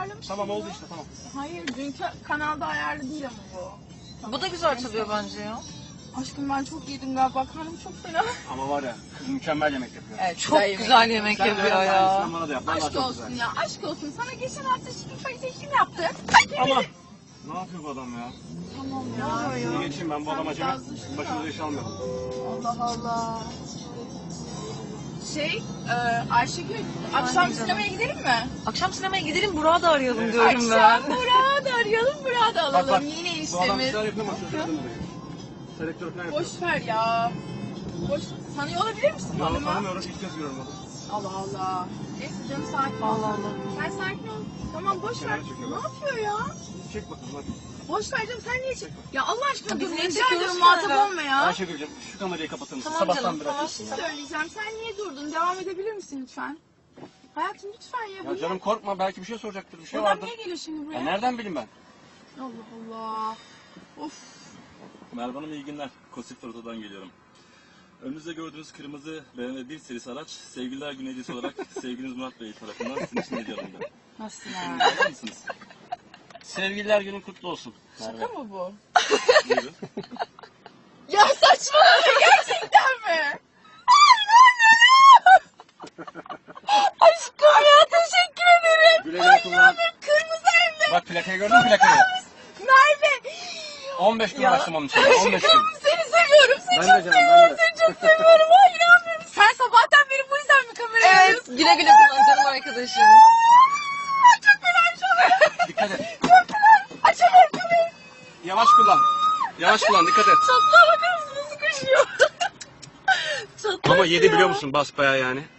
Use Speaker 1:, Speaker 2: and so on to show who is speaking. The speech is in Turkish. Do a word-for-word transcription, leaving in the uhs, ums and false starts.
Speaker 1: ayarlamıştım.
Speaker 2: Tamam oldu işte tamam.
Speaker 1: Hayır dünkü kanalda ayarlı değil ama bu. Tamam.
Speaker 3: Bu da güzel çalıyor bence ya.
Speaker 1: Aşkım ben çok yedim galiba. Karnım çok fena.
Speaker 2: Ama var ya kız mükemmel yemek yapıyor.
Speaker 1: Evet,
Speaker 3: Çok güzel yemek
Speaker 2: Sen de
Speaker 3: yapıyor
Speaker 2: öyle
Speaker 3: ya.
Speaker 2: aynısından bana da yap. Vallahi
Speaker 1: Aşk
Speaker 2: çok
Speaker 1: olsun
Speaker 2: güzel.
Speaker 1: ya. Aşk olsun. Sana geçen hafta şifa seçim yaptım.
Speaker 2: Ama ne yapıyor bu adam ya?
Speaker 1: Tamam
Speaker 3: Ne
Speaker 1: ya.
Speaker 3: oluyor
Speaker 2: Bir geçeyim ben bu
Speaker 1: Sen
Speaker 2: adama acemi.
Speaker 1: biraz düşün
Speaker 2: Başımıza
Speaker 1: ya.
Speaker 2: iş almayalım.
Speaker 1: Allah Allah. Şey, e, Ayşegül, akşam
Speaker 3: canım.
Speaker 1: sinemaya gidelim mi?
Speaker 3: Akşam sinemaya gidelim, Burak'ı da arayalım
Speaker 2: Evet.
Speaker 3: diyorum ben.
Speaker 1: Akşam Burak'ı da arayalım, Burak'ı da
Speaker 2: Bak
Speaker 1: alalım.
Speaker 2: bak.
Speaker 1: Yine
Speaker 2: Bu adam
Speaker 1: işlemiz.
Speaker 2: güzel yapıyor ama çocuklarını da yapıyor. Selektör falan yapıyor.
Speaker 1: Boş ver ya. Boş. Tanıyor olabilir misin
Speaker 2: Ya
Speaker 1: adamı?
Speaker 2: tanımıyorum ilk kez görüyorum adamı.
Speaker 1: Allah Allah. Neyse canım sakin ol.
Speaker 3: Allah Allah.
Speaker 1: Sen sakin ol. Tamam boş ver.
Speaker 2: Kenara çekiyor
Speaker 1: Ne
Speaker 2: bak.
Speaker 1: yapıyor ya?
Speaker 2: Çek bakalım hadi.
Speaker 1: Boş ver canım sen niye çek? Ya Allah aşkına
Speaker 3: Ya biz
Speaker 1: dur.
Speaker 3: niye
Speaker 1: Rica
Speaker 3: çekiyoruz
Speaker 1: ediyorum muhatap
Speaker 3: kenara?
Speaker 1: olma ya.
Speaker 2: Ayşegül'cüm şu kamerayı kapatır mısın?
Speaker 3: Tamam
Speaker 2: Sabahtan
Speaker 3: canım,
Speaker 2: beri
Speaker 3: tamam.
Speaker 2: açıyorsun
Speaker 1: Bir
Speaker 2: ya.
Speaker 1: şey söyleyeceğim. Sen niye durdun? Devam edebilir misin lütfen? Hayatım lütfen ya. Bu
Speaker 2: Ya canım korkma belki bir şey soracaktır bir şey
Speaker 1: Adam
Speaker 2: vardır.
Speaker 1: niye geliyor şimdi buraya?
Speaker 2: Ya nereden bileyim ben?
Speaker 1: Allah Allah. Of.
Speaker 4: Merhaba Hanım iyi günler. Kosif Oto'dan geliyorum. Önünüzde gördüğünüz kırmızı B M W bir serisi araç Sevgililer Günü hediyesi olarak sevgiliniz Murat Bey tarafından sizin için hediye alındı.
Speaker 1: Nasıl
Speaker 4: Şimdi
Speaker 1: ya?
Speaker 4: alır mısınız?
Speaker 2: Sevgililer günün kutlu olsun.
Speaker 1: Şaka
Speaker 2: Merve.
Speaker 1: mı bu?
Speaker 4: Buyurun.
Speaker 1: Ya saçmalama gerçekten mi? Aşkım ya teşekkür ederim.
Speaker 2: Güle güle kullan.
Speaker 1: Kırmızı hem de
Speaker 2: Bak plakayı gördün mü plakayı?
Speaker 1: Merve.
Speaker 2: on beş gün uğraştım onun için. on beş gün.
Speaker 1: Aşkım seni seviyorum. Seni
Speaker 2: Ben de
Speaker 1: çok
Speaker 2: canım,
Speaker 1: seviyorum.
Speaker 2: ben de.
Speaker 1: Seni çok seviyorum. Ay inanmıyorum. Sen sabahtan beri bu yüzden mi kameraya
Speaker 3: Evet,
Speaker 1: alıyorsun?
Speaker 3: güle güle kullan canım arkadaşım.
Speaker 1: Çok fenaymış o.
Speaker 2: Dikkat et.
Speaker 1: Çok fenay. Açamıyorum kamerayı.
Speaker 2: Yavaş kullan. Yavaş kullan dikkat et.
Speaker 1: Çatlağa bakar mısın? Nasıl koşuyor? Çatlağa
Speaker 2: Ama yedi
Speaker 1: ya.
Speaker 2: biliyor musun basbayağı yani.